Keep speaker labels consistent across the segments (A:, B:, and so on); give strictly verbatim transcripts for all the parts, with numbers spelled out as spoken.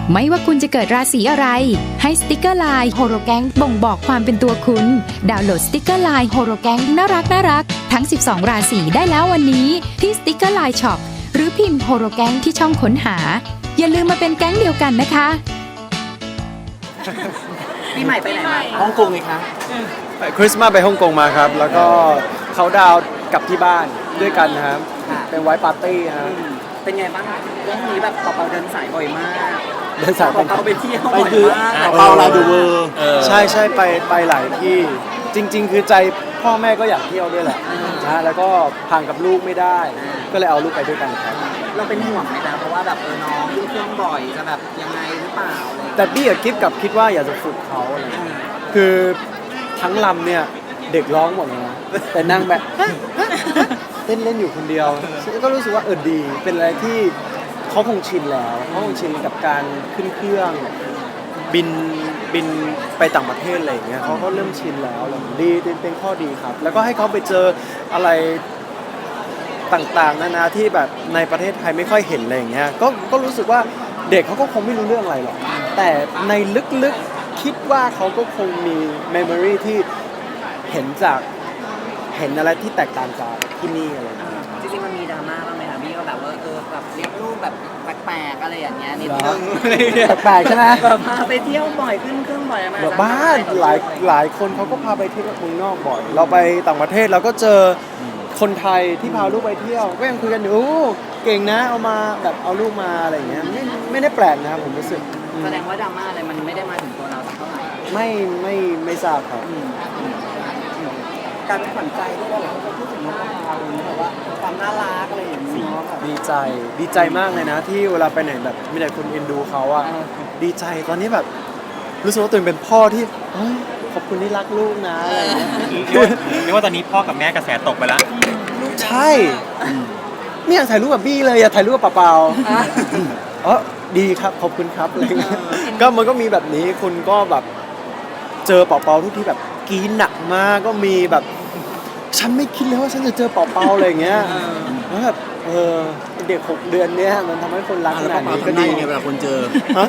A: ไม่ว่าคุณจะเกิดราศีอะไรให้สติกเกอร์ไลน์โฮโรแกงบ่งบอกความเป็นตัวคุณดาวน์โหลดสติกเกอร์ไลน์โฮโรแกงน่ารักน่ารักทั้งสิบสองราศีได้แล้ววันนี้ที่สติกเกอร์ไลน์ช็อปหรือพิมพ์โฮโรแกงที่ช่องค้นหาอย่าลืมมาเป็นแก๊งเดียวกันนะคะ
B: ปีใหม่ไปไหนมา
C: ฮ่องกงไงคะ
D: คริสต์มาสไปฮ่องกงมาครับแล้วก็เขาดาวน์กับที่บ้านด้วยกันนะครับเป็นไวท์ปาร์ตี้ครับ
B: เป็นไงบ้างเรื่องนี้แบบเปาๆเดินสายบ่อยมาก
D: เดินสาย
B: เปาๆไปเที่ยว
C: ไป
B: บ่อย
C: คือ
B: มาก
C: เปาลาดูเวอร์
D: ใช่ใช่ไปไปหลายที่จริง ๆ คือใจพ่อแม่ก็อยากเที่ยวด้วยแหละนะแล้วก็ห่างกับลูกไม่ได้ก็เลยเอาลูกไปด้วยกันครับ
B: เราเป็นห่วงไหมนะเพราะว่าแบบเออน้องขึ้นเครื่องบ่อยจะแบบยังไงหรือเปล่า
D: แต่พี่กับกิ๊บกับคิดว่าอยากจะฝึกเขาอะไรคือทั้งลำเนี่ยเด็กร้องหมดเลยนะแต่นั่งแบบเล่นเล่นอยู่คนเดียวก็รู้สึกว่าเออดีเป็นอะไรที่เขาคงชินแล้วเขาคงชินกับการขึ้นเครื่องบินบินไปต่างประเทศอะไรอย่างเงี้ยเขาก็เริ่มชินแล้วดีเป็นข้อดีครับแล้วก็ให้เขาไปเจออะไรต่างๆนานาที่แบบในประเทศไทยไม่ค่อยเห็นอะไรอย่างเงี้ยก็ก็รู้สึกว่าเด็กเขาก็คงไม่รู้เรื่องอะไรหรอกแต่ในลึกๆคิดว่าเขาก็คงมีเมมโมรีที่เห็นจากเห็นอะไรที่แตกต่างจากที่นี่อะไร
B: จริงๆมันมีดราม่าบ้างไหมคะพี่ก็แบบว่าเออแบบเลี้ยงลูกแบบแปลกๆอะไรอย่างเงี้ยนิดนึง
D: แปลกใช่ไหม
B: แบบพาไปเที่ยวบ่อยขึ้นเครื่องบ่อยมา
D: บ้านหลายหลายคนเขาก็พาไปเที่ยวเมืองนอกบ่อยเราไปต่างประเทศเราก็เจอคนไทยที่พาลูกไปเที่ยวก็ยังคุยกันอยู่เก่งนะเอามาแบบเอาลูกมาอะไรอย่างเงี้ยไม่ไม่ได้แปลกนะครับผมรู้สึก
B: แสดงว่าดราม่าอะไรมันไม่ได้มาถึงตัวเราสักเท่าไหร่
D: ไม่ไม่ไม่ทราบครับ
B: การเป็นขวัญใจที่เราเขาพูดถึงน้องเราแบบว่าความน่ารักอะไรอย่างนี้
D: ดีใจดีใจมากเลยนะที่เวลาไปไหนแบบมีแต่คนเอ็นดูเขาอะดีใจตอนนี้แบบรู้สึกว่าตัวเองเป็นพ่อที่ขอบคุณที่รักลูกนะอะไรอย่างเงี้ย
C: เรียกว่าตอนนี้พ่อกับแม่กระแสตกไปแล้ว
D: ใช่ไม่อยากถ่ายรูปกับบี้เลยอยากถ่ายรูปกับเปล่าๆอ๋อดีครับขอบคุณครับอะไรเงี้ยก็มันก็มีแบบนี้คุณก็แบบเจอเป่าๆทุกที่แบบกีนหนักมากก็มีแบบฉันไม่คิดเลยว่าฉันจะเจอเป่าๆอะไรอย่างเงี้ยแล้วแบบเออเด็กหกเดือนเนี้ยมันทำให้คนรักขนาดนี้ก็ดี
C: ไงเวลาคนเจอ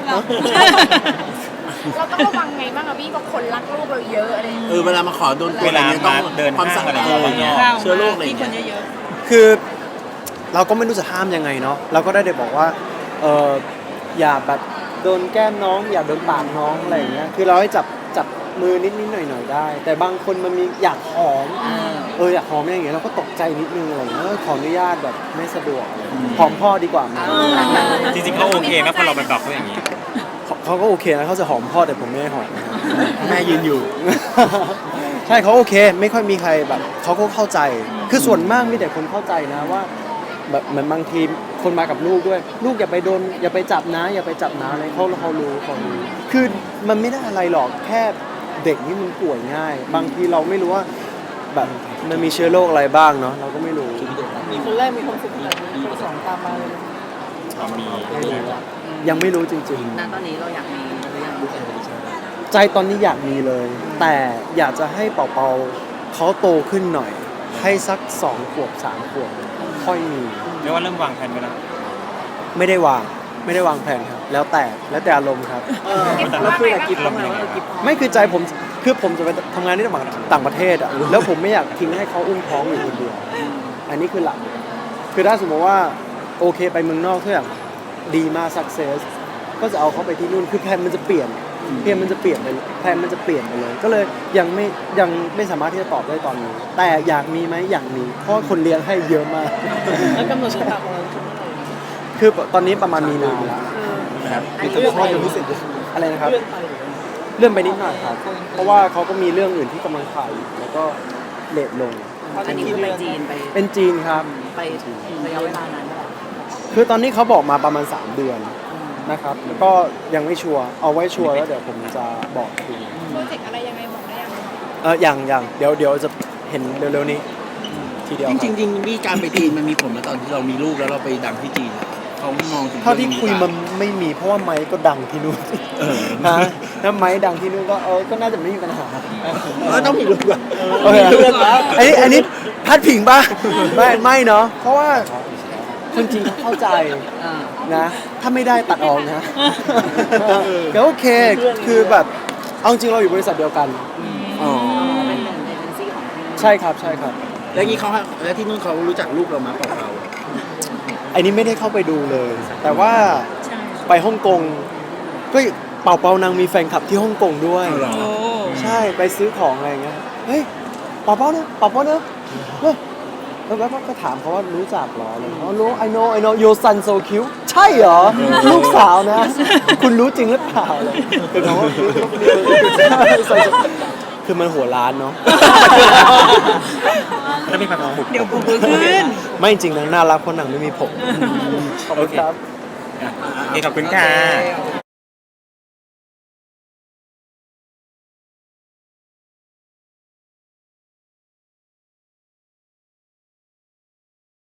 E: เราต้องระวังไงบ้างอะพี่เพราะคนรักลูกเราเยอะอะไร
C: เออเวลามาขอโดน
F: เวลามาเดินห้างอะไรอย่างเงี้ย
C: เชื้อโรคอะไรอย่างเงี้ย
D: คือเราก็ไม่รู้จะห้ามยังไงเนาะเราก็ได้แต่บอกว่าเอออย่าแบบโดนแก้มน้องอย่าโดนปากน้องอะไรอย่างเงี้ยคือเราให้จับจับมือนิดนิดหน่อยหน่อยได้แต่บางคนมันมีอยากหอมเอออยากหอมอย่างเงี้ยเราก็ตกใจนิดนึงอะไรอย่างเงี้ยขออนุญาตแบบไม่สะดวกหอมพ่อดีกว่า
F: จริงๆเขาโอเคไหมพอเราไปบอกเขาอย่างนี้
D: เขาก็โอเคนะเขาจะหอมพ่อแต่ผมไม่หอม
C: แม่ยืนอยู่
D: ใช่เขาโอเคไม่ค่อยมีใครแบบเขาก็เข้าใจคือส่วนมากมีแต่คนเข้าใจนะว่าแบบเหมือนบางทีคนมากับลูกด้วยลูกอย่าไปโดนอย่าไปจับนะอย่าไปจับนะอะไรเขาเขารู้เขารู้คือมันไม่ได้อะไรหรอกแค่เด็กนี่มันป่วยง่ายบางทีเราไม่รู้ว่าแบบมันมีเชื้อโรคอะไรบ้างเนาะเราก็ไม่รู้
B: มีคนแรกมีคนสุดท้ายคนสองตามมาเลย
F: มี
D: ยังไม่รู้จริง
B: ๆณตอนนี้เราอยากมีหรือยัง
D: ใจตอนนี้อยากมีเลยแต่อยากจะให้เป่าๆเขาโตขึ้นหน่อยให้สักสองขวบสามขวบค่อยมี
F: เรียกว่าเริ่มวางแผนไปแล้ว
D: ไม่ได้วางไม่ได้วางแผนครับแล้วแต่แล้วแต่อารมณ์ครับ
B: เราคุยกับกิ๊บบ้างไหมว่ากิ๊บ
D: ไม่คือใจผมคือผมจะไปทำงานที่ต่างประเทศอ่ะแล้วผมไม่อยากทิ้งให้เขาอุ้มท้องอยู่คนเดียวอันนี้คือหลักคือถ้าสมมติว่าโอเคไปเมืองนอกทุกอย่างดีมาก success ก็จะเอาเขาไปที่นู่นคือแพลนมันจะเปลี่ยนแพลนมันจะเปลี่ยนไปแพลนมันจะเปลี่ยนไปเลยก็เลยยังไม่ยังไม่สามารถที่จะตอบได้ตอนนี้แต่อยากมีไหมอยากมีเพราะคนเลี้ยงให้เยอะมาก
B: แล้วกำหนดสถาบัน
D: คือตอนนี้ประมาณมีนาแล้ว
C: นะครับคือจะพ่อยังไม่เสร็จ
D: อะไรนะครับเลื่อนไปนิดหน่อยครับเพราะว่าเขาก็มีเรื่องอื่นที่กำลังถ่ายแล้วก็เลทลง
B: อันนี้คือไปจีนไป
D: เป็นจีนครับ
B: ไประยะเวลานานเท่าไหร่
D: คือตอนนี้เขาบอกมาประมาณสามเดือนนะครับก็ยังไม่ชัวร์เอาไว้ชัวร์แล้วเดี๋ยวผมจะบอกที
E: โปรเจกต์อะไรยังไงบอกได้ยัง
D: เอออย่างอย่างเดี๋ยวเดี๋ยวจะเห็นเร็วๆนี้ทีเดียว
C: จริงจริงมีการไปจีนมันมีผลมาตอนที่เรามีลูกแล้วเราไปดังที่จีนเขามองถึง
D: เท่าที่คุยมันไม่มีเพราะว่าไม้ก็ดังที่นู่นฮะแล้วไม้ดังที่นู่นก็เออก็น่าจะไม่มีปัญหา
C: เออต้องมีลูกอ่ะ
D: มีลูกแล้วอันนี้อันนี้พัดผิงป่ะไม่ไม่เนาะเพราะว่าคนจีนเข้าใจนะ ถ้าไม่ได้ตัดออกนะก็โอเคคือแบบเอาจริงเราอยู่บริษัทเดียวกัน
C: อ๋อ
B: เป็นหนึ่งในเอเจนซี่ของพี่
D: ใช่ครับใช่ครับ
C: แล้วงี้เขาแล้วที่นู่นเขารู้จักลูกเรามาเปล่าเรา
D: ไอ้นี้ไม่ได้เข้าไปดูเลย แต่ว่าไปฮ่องกงก็เป่าเปานางมีแฟนคลับที่ฮ่องกงด้วย
C: เอาเหรอ
D: ใช่ไปซื้อของอะไรอย่างเงี้ยเฮ้ยเป่าเป้าเนอะเป่าเป้าเนอะเฮ้ยแล้วก็ก็ถามเขาว่ารู้จักเหรออะไรอย่างเงี้ยเขารู้ I know I know your son so cute ใช่เหรอ ลูกสาวนะ คุณรู้จริงหรือเปล่าเลยคือเขาว่าคือมันหัวล้านเนาะ
F: แล้วมีความสุข
E: เดี๋ยวผมขึ้น
D: ไม่จริงนางน่ารักเพราะนางไม่มีผมขอบคุณครับ
F: โอเคขอบคุณค่ะ
B: โอเค